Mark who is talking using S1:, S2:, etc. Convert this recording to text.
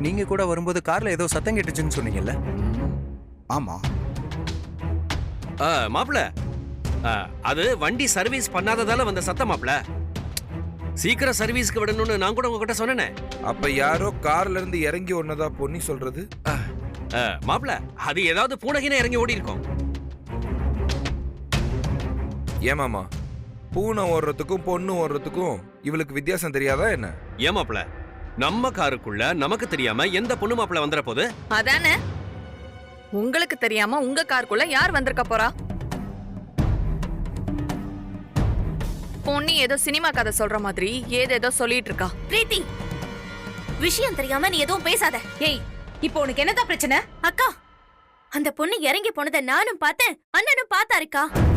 S1: நீங்க கூட வரும்போது கார்ல ஏதோ சத்தம் கேட்டுச்சுன்னு சொன்னீங்கல்ல?
S2: ஆமா.
S3: மாப்ள, அது வண்டி சர்வீஸ் பண்ணாததால வந்த சத்தம் மாப்ள. சீக்கிரம் சர்வீஸ்க்கு விடணும்னு நான் கூட உங்ககிட்ட சொன்னேனே.
S4: அப்ப யாரோ கார்ல இருந்து இறங்கி ஒன்னதா பொன்னி சொல்றது?
S3: மாப்ள, அது ஏதாவது பூனைகின இறங்கி ஓடி இருக்கும்.
S4: ஏமாமா, பூனை ஓடுறதுக்கும் பொண்ணு ஓடுறதுக்கும் இவளுக்கு வித்தியாசம் தெரியாதா என்ன?
S3: ஏன் மாப்ள, நம்ம காருக்குள்ள நமக்கு தெரியாம எந்த பொண்ணு மாப்ள வந்துற போது?
S5: அதானே, உங்களுக்கு தெரியாம உங்க காருக்குள்ள யார் வந்திருக்க போறா? பொண்ணு ஏதோ சினிமா கதை சொல்ற மாதிரி ஏதேதோ சொல்லிட்டு இருக்கா.
S6: பிரீத்தி, விஷயம் தெரியாம நீ எதுவும் பேசாத.
S7: ஏய், இப்போ உனக்கு என்னதான் பிரச்சனை?
S6: அக்கா, அந்த பொண்ணு இறங்கி போனதை நானும் பார்த்தேன், அண்ணனும் பார்த்தாருக்கா.